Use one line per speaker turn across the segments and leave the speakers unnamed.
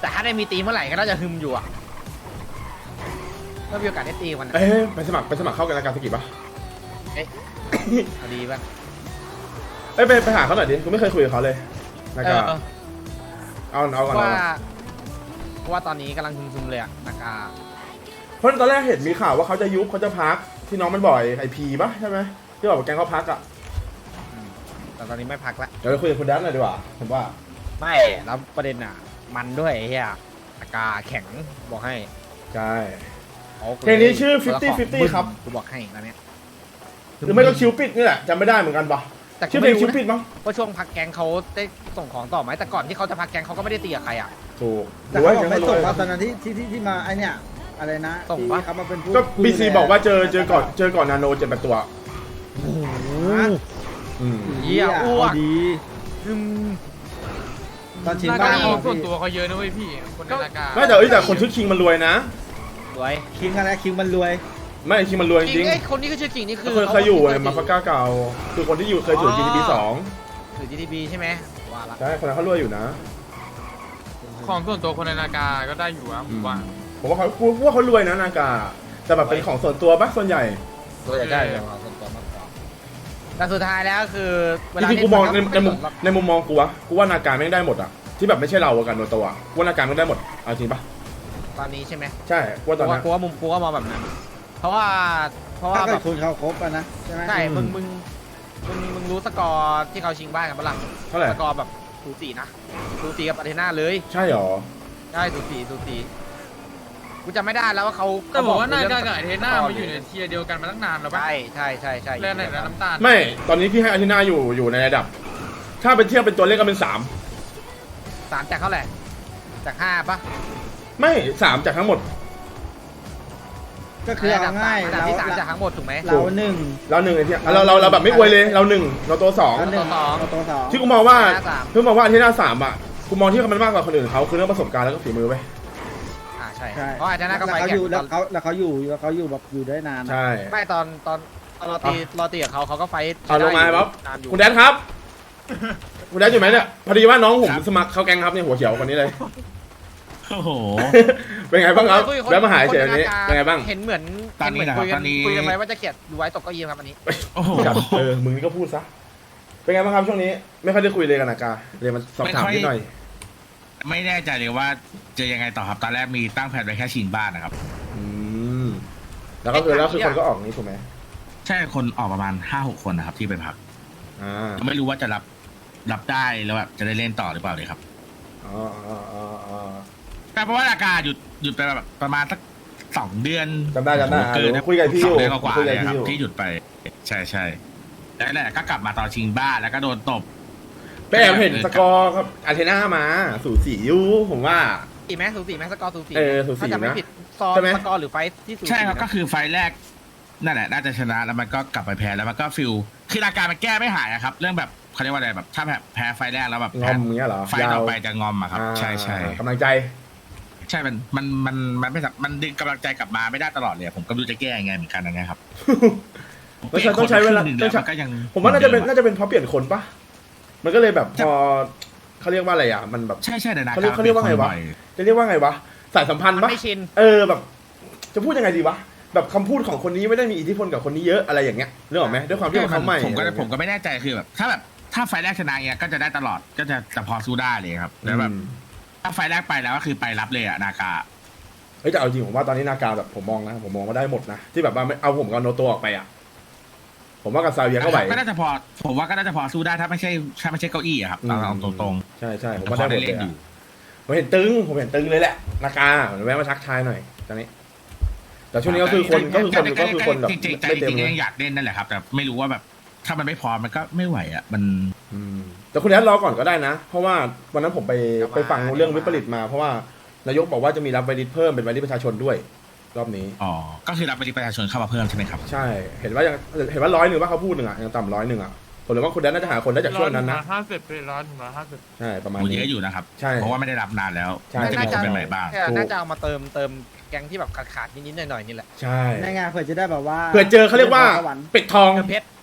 แต่ถ้าได้มีตีเมื่อไหร่ก็น่าจะฮึมอยู่อ่ะก็มีโอกาสได้ตีมันอะ
ไปสมัครเข้ากันรายการสกิปป่ะ
เอ๊ะพอดีป่ะ
ไปหาเขาหน่อยดิกูไม่เคยคุยกับเขาเลยนากาเอาก่อน
เพราะว่าตอนนี้กำลังฮึมๆเลยอะนากา
เพราะตอนแรกเห็นมีข่าวว่าเขาจะยุบเขาจะพักที่น้องมันบ่อยไอพีป่ะใช่ไหมที่บอกว่าแกงเขาพักอ่ะ
แต่ตอนนี้ไม่พักละ
เดี๋ยวเราคุยกับคุณดันหน่อยดีกว่าผมว่า
ไม่แล้วประเด็นอ่ะมันด้วยไอ้เหี้ยนากาแข็งบอกให้
ใช่
อา
เพลงนี้ชื่อ50-50ครับ
กูบอกให้ตอนเนี้ย
หรือไม่ก็คิวปิดนี่แหละจำไม่ได้เหมือนกันป่ะ
แต่
ชื่อเพลงคิวปิดมั้ง
ว่าช่วงพักแกงเขาได้ส่งของต่อไหมแต่ก่อนที่เขาจะพักแกงเขาก็ไม่ได้ตีกับใครอ่ะ
ถูก
แต่เขาบอกไม่ส่งมาตอนนั้นที่มาไอเนี่ยอะไรนะ
ส่งปะ
ที่เขามาเป็นผู้
ก็บีซีบอกว่าเจอก่อนนาโน7-8ตัว
โอ้โห
อืม
เหี้ยอ้วก
ดี
อืม
ตอนชิง
นา
บ้า
การ ของส่วนตัวเขาเยอะนะเว้ยพี่คนในนาการ
ไม่แต่คนชื่อคิงมันรวยนะ
รวย
คิงอะไรคิงมันรวย
ไม่คิงมันรวยจ
จริ
ริ
ง
ง
ไอ้คนนี้ก็ชื่อจริงนี่คือ
เคยอยู่ในมาฟาก้าเก่าคือคนที่อยู่เคยอยู่ GTB 2
หรือ GTB ใช่ไหมว่าละ
ใช่คนนั้นเขารวยอยู่นะ
ของส่วนตัวคนในนาการก็ได้อยู่อะผมว่า
ผมว่าเขารวยนะนากาแต่แบบเป็นของส่วนตัวปะส่วนใหญ่
ตัวใหญ่ได้เลยส่วนตัวมากกว่าแต่สุดท้ายแล้วคือเว
จ
ลา
ริงๆกูมองในมุมมองกูว่านาการไม่งได้หมดอะที่แบบไม่ใช่เรากันโดยตัวกูว่านาการไม่งได้หมดเอาจริงปะ
ตอนนี้ใช่ไหม
ใช่กูว่าตอนนั้น
กูว่ามุมกูว่ามองแบบนั้น เพราะว่า
ถ้า
แบ
เกิด
บ
คุณเขาครบอะนะใช่ไหม
ใช่มึงรู้สกอร์ที่เขาชิงบ้านกันปะล่ะ
เท่าไหร่
สกอร์แบบสูสีนะสูสีกับอาร์เทน่าเลย
ใช่หรอ
ใช่สูสีกูจำไม่ได้แล้วว่าเขา
แต่บอกว่านาการกับไอเทน่ามาอยู่ในเทียร์เดียวกันมาตั้งนานแล้วป่ะ
ใช่
เล่นไหนนะน้ำตาล
ไม่ตอนนี้พี่ให้อาทิตย์หน้าอยู่ในระดับ ถ้าเป็นเทียบเป็นตัวเลขก็เป็น3
3จากเท่าไหร่จาก5ปะ
ไม่3จากทั้งหมด
ก็คือเอาง่าย
อันดับที่3จากทั้งหมดถูกไหม
เราหนึ่ง
เรา1ไอ้เทียเราแบบไม่อวยเลยเรา1เราตัว2
เราหนึ่งเราตัวสอง
ที่กูมองว่า
สาม
ที่มองว่าอาทิตย์หน้า3อ่ะกูมองที่มันมากกว่าคนอื่นเขาคือเรื่องประสบการณ์แล้วก็ฝีมือไป
ใช่
ใช่
เพราะอาร์เทน่าก็
แล้ว
ไป
เขา
แข่
อง ยู่
ต
แล้
อ
วน เขาอยู่แบบอยู่ได้นานอะ
ใช่
ไม่ตอนรอตีกับเขาก็ไฟท์
เอาลงมาครับ
นานอยู่
คุณแดนครับ คุณแดนอยู่ไหมเนี่ยพอดีว่าน้องผมสมัครเข้าแก๊งครับเนี่ยหัวเขียวคนนี้เลย
โอ้โห
เป็นไงบ้างครับ
คุยกับ
แล้วมาหาเฉย
ค
ๆนี้เป็นไงบ้าง
เห็นเหมือน
ตอนนี้นะครับ
เห็
ตอนนี้
คุยกันไว้ว่าจะเกลียดดูไว้ตกเก็ยิ้มครับอันนี้
โอ้โห
จัดมึงนี่ก็พูดซะเป็นไงบ้างครับช่วงนี้ไม่ค่อยได้คุยเลยกันนะกาเรียนมาสอบถามนิดหน่อย
ไม่แน่ใจเลยว่าจะยังไงต่อครับ ตอนแรกมีตั้งแผนไว้แค่ชิงบ้านนะครับ
อืมแล้วก็คือคนก็ออกนี้ถูกไหม
ใช่คนออกประมาณ 5-6 คนนะครับที่ไปพัก
อ่า
ไม่รู้ว่าจะรับได้แล้วแบบจะได้เล่นต่อหรือเปล่าเลยครับ
อ๋อ
แต่เพราะว่าอากาศหยุดไปแบบประมาณสัก2 เดือน
จำได้
เกินนะ
คุยกับพี่อ
ส
ยู่
องเดือนกว่า
คุย
ๆเล
กับ
ยค
พี่
รับ
อยู่
ที่หยุดไป ใช่แล้วแหละก็กลับมาตอนชิงบ้านแล้วก็โดนตบ
ไปแอบเห็นสกอร์ครับอาร์เทน่ามาสูสีอยู่ผมว่า
สีไหมสูสีไหมสกอร์สูสี
สูสี
ถ้าจำไม่
นะ
ผิดซอ
ใช่ไหม
สกอร์หรือไฟท์ที่สูสี
ใช่ครับ
นะ
ก็คือไฟล์แรกนั่นแหละน่าจะชนะแล้วมันก็กลับไปแพ้แล้วมันก็ฟิลคืออาการมันแก้ไม่หายอะครับ เรื่องแบบเขาเรียกว่าอะไรแบบถ้าแบบแพ้ไฟล์แรกแล้วแบบ
ง
แพ้
อมอย่างเงี้ยเหรอ
ไฟล์ต่อไปจะงอมอะครับ ใช่
กำลังใจ
ใช่มันไม่สับมันดึงกำลังใจกลับมาไม่ได้ตลอดเลยผมก็ไม่รู้จะแก้ยังไงเหมือนกันนะครับ
แล้วต้องใช้เวลา
ปลี่ยนคนไปครึ่งหนึ่งแล้วมันก็ยัง
ผมว่าน่าจะเป็นเพราะเปลี่ยนคนปะมันก็เลยแบบพอเขาเรียกว่าอะไรอ่ะมันแบบ
ใช่แต่นะ
เขาเรียกว่าไงวะ จะเรียกว่าไงวะสายสัมพันธ์
มัน
ปะ
ไม่ชิน
แบบ จะพูดยังไงดีวะแบบคำพูดของคนนี้ไม่ได้มีอิทธิพลกับคนนี้เยอะอะไรอย่างเงี้ยเรื่องออกไหมด้วยความที่ว่าเขาใหม่
ผมก็ไม่แน่ใจคือแบบถ้าไฟล์แรกชนะเนี่ยก็จะได้ตลอดก็จะพอสู้ได้เลยครับแล้วแบบถ้าไฟล์แรกไปแล้วก็คือไปรับเลยอะนากา
เฮ้ยแต่เอาจริงผมว่าตอนนี้นาการแบบผมมองว่าได้หมดนะที่แบบว่าไม่เอาผมกับโนโตออกไปอ่ะผมว่ากับซาเวียก็ไหว
ก็น่าจะพอผมว่าก็น่าจะพอสู้ได้ถ้าไม่ใช่เก้าอี้อะครับเอาตรง
ใช่ผม
ๆ
ว่าได้หมดเลยอะผมเห็นตึงเลยแหละนาการแวะมาทักทายหน่อยตอนนี้ แต่ช่วงนี้ก็คือคนแบบ
จริงๆ
ไม่เต็ม
จริง
เลย
ๆยังอยากเล่นนั่นแหละครับ แต่ไม่รู้ว่าแบบถ้ามันไม่พอมันก็ไม่ไหวอ่ะมัน
แต่คุณแอดรอก่อนก็ได้นะ เพราะว่าวันนั้นผมไปฟังเรื่องวิปริตมาเพราะว่านายกบอกว่าจะมีรับไวริสเพิ่มเป็นไวริสประชาชนด้วยรอบนี้
อ๋อก็คือรับไปประชาชนเข้ามาเพิ่มใช่ไหมครับ
ใช่เห็นว่า100ว่าเขาพูดหนึ่งอ่ะยังต่ำ100อ่ะผมเลยว่าคุณแดนน่าจะหาคนได้จากช่วงนั้นนะ
150เป็น150
ใช่ประมาณ
โอ้
นี้
เยอะอยู่นะครับ
ใช่
เพราะว่าไม่ได้รับนานแล้ว
ใช่
จะมีคนเป็นใหม่บ้าง
น่าจะเอามาเติมแกงที่แบบขาดนิดๆหน่อยๆนี่แหละ
ใช่
ในงานเผื่อจะได้แบบว่า
เผื่อเจอเขาเรียกว่าเป็ดทอง
เติมเพชร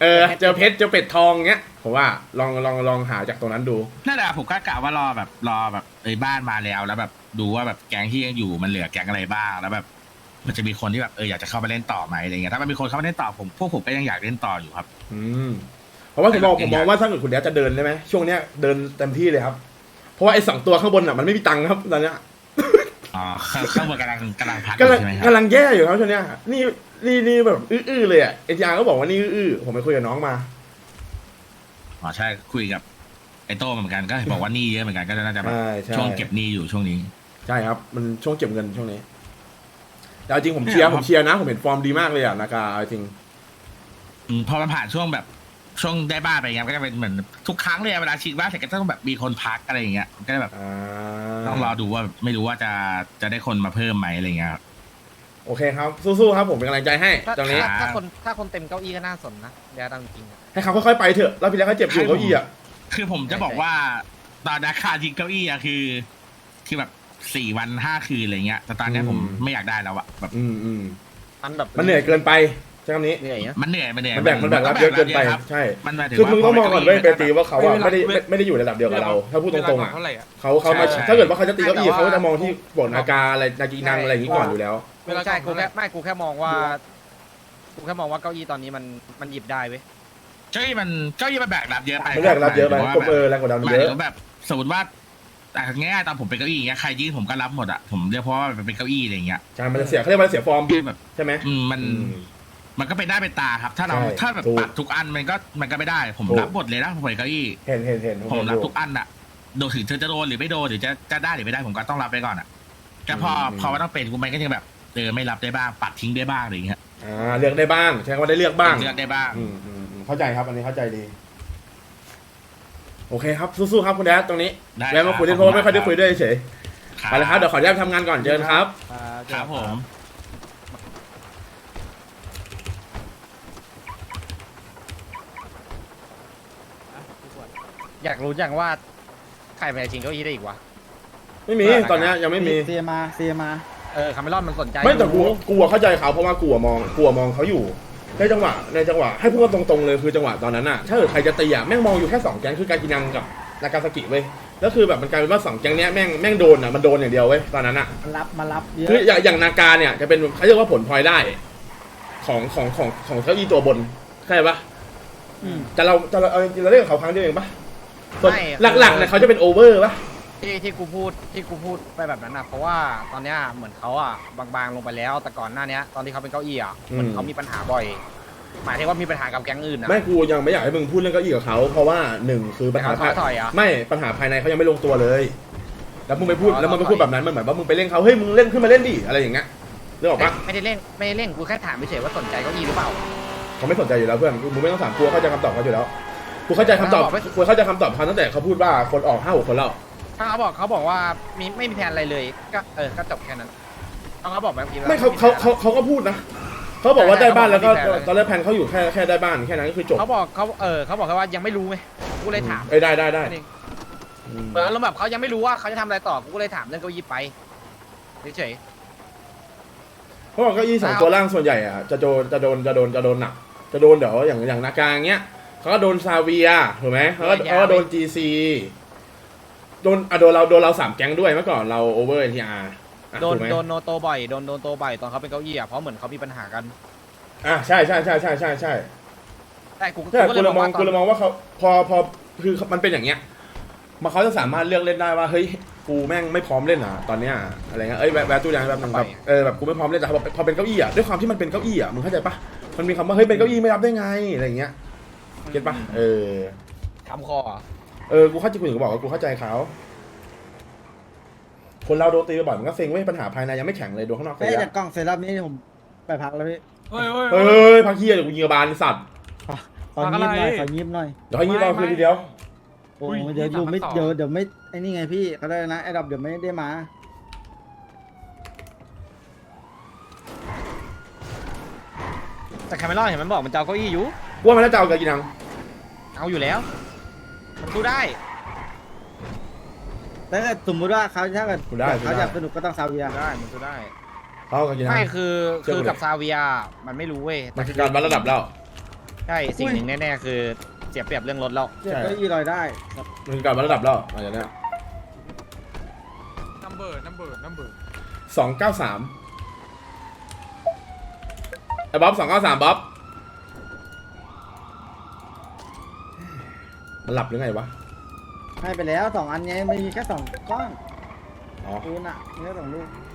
เจอเพชรเจอเป็ดทองเงี้ยผมว่าลองหาจากตรงนั้นดู
นั่นแหละผมก็กะว่ารอแบบบ้านมาแล้วแบบดูว่าแบบแก๊งที่ยังอยู่มันเหลือแก๊งอะไรบ้างแล้วแบบมันจะมีคนที่แบบอยากจะเข้าไปเล่นต่อไหมอะไรเงี้ยถ้ามันมีคนเข้ามาเล่นต่อพวกผมก็ยังอยากเล่นต่ออยู่ครับ
เพราะว่าผมมองว่าถ้าเกิดคุณแดดจะเดินได้ไหมช่วงเนี้ยเดินเต็มที่เลยครับเพราะว่าไอ้2 ตัวข้างบนอ่ะมันไม่มีตังค์ครับตอนเนี้ย
อ๋อข้างบนกำลังพัก
กำลัง
ใช่ไหมครับ
กำลังแย่อยู่ครับช่วงเนี้ยนี่แบบอื้อเลยอ่ะเอ็นยาก็บอกว่านี่อื้อผมไปคุยกับน้องมา
อ๋อใช่คุยกับไอโต้เหมือนกันก็บอกว่าหนี้เยอะเหมือนกันก็น่าจะแบบ
ใช่
ช่วงเก็บหนี้อยู่ช่วงนี้
ใช่ครับมันช่วงเก็บเงินช่วงนี้แต่เอาจริงผมเชียร์นะผมเห็นฟอร์มดีมากเลยอ่ะนากาเอาจริง
พอมันผ่านช่วงแบบช่วงได้บ้านไปเงี้ยก็จะเป็นเหมือนทุกครั้งเลยเวลาฉีดบ้านเสร็จก็ต้องแบบมีคนพักอะไรอย่างเงี้ยก็แบบต้องรอดูว่าไม่รู้ว่าจะได้คนมาเพิ่มไหมอะไรเงี้ยครับ
โอเคครับสู้ๆครับผมเป็นกำลังใจให้ตรงนี้
ถ้าคนเต็มเก้าอี้ก็น่าสนนะเดี๋ยวตามจริง
ให้เขาค่อยๆไปเถอะแล้วพี่แล้วเขาเจ็บอยู่เก้าอี้อ่ะ
คือผมจะบอกว่าตอนราคาจริงเก้าอี้อะคือแบบ4 วัน 5 คืนอะไรเงี้ยแต่ตอนนี้ผมไม่อยากได้แล้วอะแบบ
มันเหนื่อยเกินไปใช่คำนี้
เหนื่อยนะ
มันเหนื่อยมัน
แบ่งรับเยอะเกินไปใช่
มันมาถึง
คือมึงต้องมองก่อนเว้ยเป
ว่า
ตีว่าเขาอะไม่ได้อยู่ระดับเดียวกับเรา ถ้าพูดตรงๆอะ
เท่าไหร่อะ
เขามาถ้าเกิดว่าเขาจะตีเก้าอี้เขาก็จะมองที่บทนากาอะไรนากีนังอะไรอย่างนี้ก่อนอยู่แล้ว
ใช่กูแค่มองว่าเก้าอี้ตอนนี้มันหยิบได้เว้ย
เก้าอี้มันแบกรับเยอะไป
ไม่แรงรับเยอะไปผมแรงกว่าดัน
หมาย
เย
ถึ
อะ
งแบบสมมติว่าง่ายๆตอนผมเป็นเก้าอี้อย่างเงี้ยใครยื่นผมก็รับหมดอะผมเรียกเพราะว่ามันเป็นเก้าอี้อะไรอย่างเงี้ย
ใช่มันจะเสียเขาเรียกว่าเสียฟอร์ม
คือแบบ
ใช่ไหม
มันก็เป็นได้เป็นตาครับ ถ้าเรา
ใช่
ถ้าแบบ
ถูก
ปัดทุกอันมันก็ไม่ได้ผม
ถูก
รับหมดเลยนะผมเป็นเก้าอี้
เห็น
ผมรับทุกอันอะโดนถึงเธอจะโดนหรือไม่โดนหรือจะได้หรือไม่ได้ผมก็ต้องรับไปก่อนอะก็พอว่าต้องเป็นกูมันก็ยังแบบไม่รับได้บ้างปัดทิ้งได้บ้างอะไรอย่างเงี้ย
เลือกได้บ้างใช่ว่าได้เลือกบ้าง
เลือกได้บ้าง
เข้าใจครับอันนี้เข้าใจดีโอเคครับสู้ๆครับคุณแดดตรงนี้
ได้
แล้วมาคุยเล่นเพราะว่าไม่ค่อยได้คุยด้วยเฉย
ครับ
ไปเลยครับเดี๋ยวขออนุญาตทำงานก่อนเจอกันครับ
ครับผม
อยากรู้จังว่าใครเป็นจริงเก้าอี้ได้อีกวะ
ไม่มีตอนนี้ยังไม่มี
เซียมา
คาเมลอนมันสนใจ
ไม่แต่กูเข้าใจเขาเพราะว่ากูมองเขาอยู่ในจังหวะให้พูดกันตรงๆเลยคือจังหวะตอนนั้นน่ะถ้าเกิดใครจะตีอ่ะแม่งมองอยู่แค่2 แก๊งคือกากินังกับนากาซากิเว้ยแล้วคือแบบมันกลายเป็นว่า2 แก๊งเนี้ยแม่งโดนอ่ะมันโดนอย่างเดียวเว้ยตอนนั้นอ่ะ
มารับเยอะ
คืออย่างนากาเนี่ยจะเป็นเขาเรียกว่าผลพลอยได้ของเก้าอี้ตัวบนเข้าใจปะแต่เราเล่นกับเขาครั้งเดียวเองปะส่วนหลักๆเนี่ยเขาจะเป็นโอเวอร์ปะ
ที่กูพูดไปแบบนั้นนะเพราะว่าตอนเนี้ยเหมือนเขาอ่ะบางๆลงไปแล้วแต่ก่อนหน้านี้ตอนที่เขาเป็นเก้าอี้อ่ะเหมือนเขามีปัญหาบ่อย หมายถึงว่ามีปัญหากับแก๊งอื่นนะ
ไม่กูยังไม่อยากให้มึงพูดเรื่องเก้าอี้กับเขาเพราะว่า1คือปัญหา
เขาถอยอ่ะ
ไม่ปัญหาภายในเขายังไม่ลงตัวเลยแล้วมึงไปพูดแบบนั้นมันเหมือนว่ามึงไปเล่นเขาเฮ้ยมึงเล่นขึ้นมาเล่นดิอะไรอย่างเงี้ยนึกออกปะ
ไม่ได้เล่นกูแค่ถามเฉยๆว่าสนใจเก้าอี้หรือเปล่า
เขาไม่สนใจอยู่แล้วเพื่อนมึงไม่ต้องถามกูเข้าใจคำตอบเขาอยู่แล้วกูเข้าใจคำตอบเขาตั้งแต่เขาพูดว่าคนออก5-6 คนแล้ว
ถ้าเขาบอกว่าไม่มีแผนอะไรเลยก็จบแค่นั้นเขาบอกแบบนี้
ไม่เขาก็พูดนะเขาบอกว่าได้บ้านแล้วก็ตอนแรกแผนเขาอยู่แค่ได้บ้านแค่นั้นก็คือจบ
เขาบอกแค่ว่ายังไม่รู้ไงกูเลยถาม
ได้
เหมือนอารมณ์แบบเขายังไม่รู้ว่าเขาจะทำอะไรต่อกูก็เลยถามเรื่องเก้าอี้ไปเฉย
เพราะว่าเก้าอี้2 ตัวล่างส่วนใหญ่อ่ะจะโดนหนักจะโดนเดี๋ยวอย่างนากาเงี้ยเขาก็โดนซาเวียถูกไหมเขาก็โดน GC โดนเรา3 แก๊งด้วยเมื่อก่อนเราโอเวอร์ NTR
โดนโนโตบ่อยโดนโตบ่อยตอนเขาเป็นเก้าอี้อ่ะเพราะเหมือนเขามีปัญหากัน
ใช่
แต่กู
กู
เลย
มองว่าเขาพอคือมันเป็นอย่างเงี้ยมาเขาจะสามารถเลือกเล่นได้ว่าเฮ้ยกูแม่งไม่พร้อมเล่นอ่ะตอนเนี้ยอะไรเงี้ยแวะตู้ยางแบบนึงแบบแบบกูไม่พร้อมเล่นแต่พอเป็นเก้าอี้อ่ะด้วยความที่มันเป็นเก้าอี้อ่ะมึงเข้าใจปะมันมีคำว่าเฮ้ยเป็นเก้าอี้ไม่รับได้ไงอะไรเงี้ยเก็ตปะ
ทำคอ
กูเข้าใจกูถึงบอกว่ากูเข้าใจเขาคนเราโดนตีบ่อยมันก็เซ็งเว้ยปัญหาภายในยังไม่แข็งเลยโดนข้างนอก
ไอ้จากกล่องเซรั่มนี้ผมไปพักแล้วพี่
เฮ้ย
พักเฮียเดี๋ยวกูยิงกระบาลสัตว์
ของีบหน่อย
เดี๋ยวให้ยิงเราคืนทีเดียว
โอ้เดี๋ยวไม่ไอ้นี่ไงพี่เขาได้นะไอ้ดับเดี๋ยวไม่ได้มา
แต่คาเมลอนเห็นมันบอกมันจะเอาเก้าอี้อยู่
ว่ามันน่าจะเอากากินัง
เอาอยู่แล้วมันสู้ได้
แต่ถ้าสมมติว่าเขาถ้าเกิดเขาอยากสนุกก็ต้องซาเวีย
ได้มันสู้ได้
เขาเอากากินัง
ไม่คือกับซาเวียมันไม่รู้เว้ย
มันคือการวัดระดับแล้ว
ใช่สิ่งหนึ่งแน่ๆคือเสียเปรียบเรื่องรถแล้ว
เจ็บก็อีลอยได้
มันกลับมาระดับแล้วอะไรเนี้ย
นัมเบอร์
293ไอ้บ๊อบ293บ๊อบมันหลับหรือไงวะ
ให้ไปแล้ว2 อันไงไม่มีแค่2 ก้อน
อ๋อ
ปูนอ่ะมีแค่2 ลูก